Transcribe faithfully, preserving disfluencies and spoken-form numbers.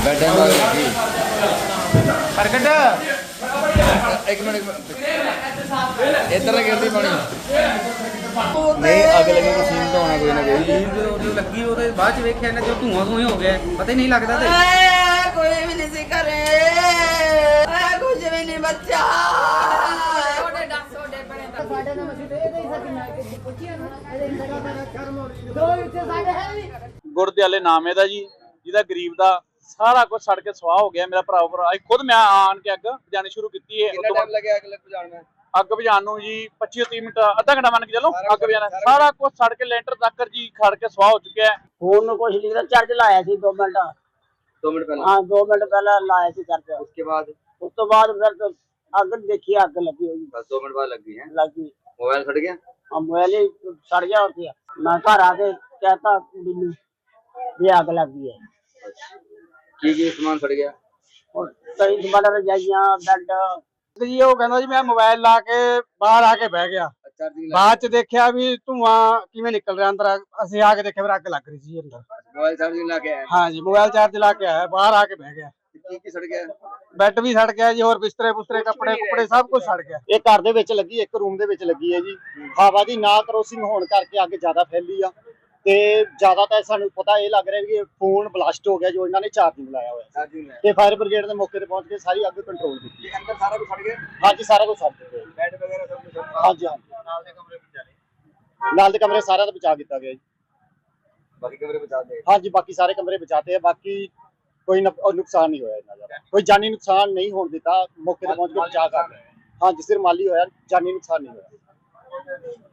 बैठे लगी प्रकट एक मिनट एक मिनट इधर गिरती पानी नहीं अग लगे तो सीन तो होना कोई ना कोई जो लगी ਉਹਦੇ ਬਾਅਦ ਚ ਵੇਖਿਆ ਨਾ ਜੋ ਧੂਆਂ ਧੂਆਂ ਹੋ ਗਿਆ ਪਤਾ ਹੀ ਨਹੀਂ ਲੱਗਦਾ ਤੇ ਕੋਈ ਵੀ ਨਹੀਂ ਸੀ ਕਰੇ ਕੁਝ ਵੀ ਨਹੀਂ ਬੱਚਾ ਉਹਦੇ ਡੱਸ ਉਹਦੇ ਬਣੇ ਸਾਡੇ ਨਾਲ ਅਸੀਂ ਦੇ ਦੇ ਸਕੀਨਾ ਕਿ ਪੁੱਛਿਆ ਨਾ ਇਹਦੇ ਜਗ੍ਹਾ ਦਾ ਕਰਮ ਦੋ ਇੱਥੇ ਸਾਡੇ ਹੈ ਵੀ ਗੁਰਦਿਆਲੇ ਨਾਮ ਇਹਦਾ ਜੀ ਜਿਹਦਾ ਗਰੀਬ ਦਾ ਸਾਰਾ ਕੁਝ ਸੜ ਕੇ ਸਵਾਹ ਹੋ ਗਿਆ। ਮੇਰਾ ਭਰਾ ਭਰਾ ਅੱਜ ਖੁਦ ਮੈਂ ਆਣ ਕੇ ਅੱਗ ਬੁਝਾਣੀ ਸ਼ੁਰੂ ਕੀਤੀ ਹੈ। कितना टाइम लगे अग लग बुझाने में ਅੱਗ ਬੁਝਾਉਣ ਨੂੰ ਜੀ ਪੱਚੀ ਤੀਹ ਮਿੰਟ ਅੱਧਾ ਘੰਟਾ ਮੰਨ ਕੇ ਚੱਲੋ ਅੱਗ ਬੁਝਾਣਾ ਸਾਰਾ ਕੁਝ ਸੜ ਕੇ ਲੈਂਟਰ ਤੱਕ ਜੀ ਖੜ ਕੇ ਸਵਾਹ ਹੋ ਚੁੱਕਿਆ ਹੈ। ਫੋਨ ਨੂੰ ਕੁਝ ਨਹੀਂ ਚਾਰਜ ਲਾਇਆ ਸੀ ਦੋ ਮਿੰਟ दो मिनट पहले ਹਾਂ ਦੋ ਮਿੰਟ ਪਹਿਲਾਂ ਲਾਇਆ ਸੀ ਚਾਰਜ उसके बाद ਉਸ ਤੋਂ ਬਾਅਦ ਫਿਰ ਤਾਂ ਅੱਗ ਦੇਖੀ ਅੱਗ ਲੱਗੀ ਹੋਈ बस दो मिनट बाद लग गई है ਲੱਗੀ मोबाइल सड़ गया ਆ ਮੋਬਾਈਲ ਹੀ ਸੜ ਗਿਆ ਉੱਥੇ ਮੈਂ ਘਰ ਆ ਕੇ ਕਹਤਾ ਕੁੜੀ ਨੂੰ ਵੀ ਅੱਗ ਲੱਗੀ ਹੈ की की सामान सड़ गया ਔਰ ਕਈ ਸਮਾਨ ਰਜਾਈਆਂ ਬੈੱਡ ਜੀ ਉਹ ਕਹਿੰਦਾ ਜੀ ਮੈਂ ਮੋਬਾਈਲ ਲਾ ਕੇ ਬਾਹਰ ਆ ਕੇ ਬਹਿ ਗਿਆ। चार्जिंग ਬਾਅਦ ਚ ਦੇਖਿਆ ਵੀ ਧੂਆਂ ਕਿਵੇਂ ਨਿਕਲ ਰਿਹਾ ਅੰਦਰ ਅਸੀਂ ਆ ਕੇ ਦੇਖਿਆ ਫਿਰ ਅੱਗ ਲੱਗ ਰਹੀ ਸੀ ਅੰਦਰ। मोबाइल चार्जिंग ला के आया ਹਾਂ ਜੀ ਮੋਬਾਈਲ ਚਾਰਜ ਲਾ ਕੇ ਆਇਆ ਬਾਹਰ ਆ ਕੇ ਬਹਿ ਗਿਆ। की की सड़ गया ਬੈੱਡ ਵੀ ਸੜ ਗਿਆ ਜੀ ਹੋਰ ਬਿਸਤਰੇ ਬੁਸਤਰੇ ਕੱਪੜੇ ਕੁਪੜੇ ਸਭ ਕੁਝ ਸੜ ਗਿਆ। ਇਹ ਘਰ ਦੇ ਵਿੱਚ ਲੱਗੀ ਇੱਕ ਰੂਮ ਦੇ ਵਿੱਚ ਲੱਗੀ ਹੈ ਜੀ। ਹਵਾ ਦੀ ਨਾ ਕਰੋਸਿੰਗ ਹੋਣ ਕਰਕੇ ਅੱਗ ਜ਼ਿਆਦਾ ਫੈਲੀ ਆ ਤੇ ਜ਼ਿਆਦਾ ਤਾਂ ਸਾਨੂੰ ਪਤਾ ਇਹ ਲੱਗ ਰਿਹਾ ਕਿ ਫੋਨ ਬਲਾਸਟ ਹੋ ਗਿਆ ਜੋ ਇਹਨਾਂ ਨੇ ਚਾਰਜਿੰਗ ਲਾਇਆ ਹੋਇਆ चार्जिंग ला ਤੇ ਫਾਇਰ ਬ੍ਰਿਗੇਡ ਦੇ ਮੌਕੇ ਤੇ ਪਹੁੰਚ ਕੇ ਸਾਰੀ ਅੱਗ ਕੰਟਰੋਲ ਕੀਤੀ। के अंदर सारा कुछ सड़ गया ਹਾਂਜੀ ਸਾਰਾ ਕੁਝ ਸੜ ਚੁੱਕਿਆ ਜੀ। बेड वगैरह सब कुछ ਹਾਂਜੀ ਹਾਂਜੀ ਨਾਲ ਦੇ ਕਮਰੇ ਵਿੱਚ ਚਲੇ ਨਾਲ ਦੇ ਕਮਰੇ ਸਾਰਿਆਂ ਦਾ ਬਚਾ ਕੀਤਾ ਗਿਆ ਜੀ। बाकी कमरे बचा दे ਹਾਂਜੀ ਬਾਕੀ ਸਾਰੇ ਕਮਰੇ ਬਚਾਤੇ ਆ। ਬਾਕੀ ਕੋਈ ਨੁਕ- ਅਹ ਨੁਕਸਾਨ ਨਹੀਂ ਹੋਇਆ ਇਹਨਾਂ ਦਾ ਕੋਈ ਜਾਨੀ ਨੁਕਸਾਨ ਨਹੀਂ ਹੋਣ ਦਿੱਤਾ। ਮੌਕੇ ਤੇ ਪਹੁੰਚ ਕੇ ਬਚਾ ਕਰ ਲਿਆ। ਹਾਂਜੀ ਸਿਰ ਮਾਲੀ ਹੋਇਆ ਜਾਨੀ ਨੁਕਸਾਨ ਨਹੀਂ ਹੋਇਆ।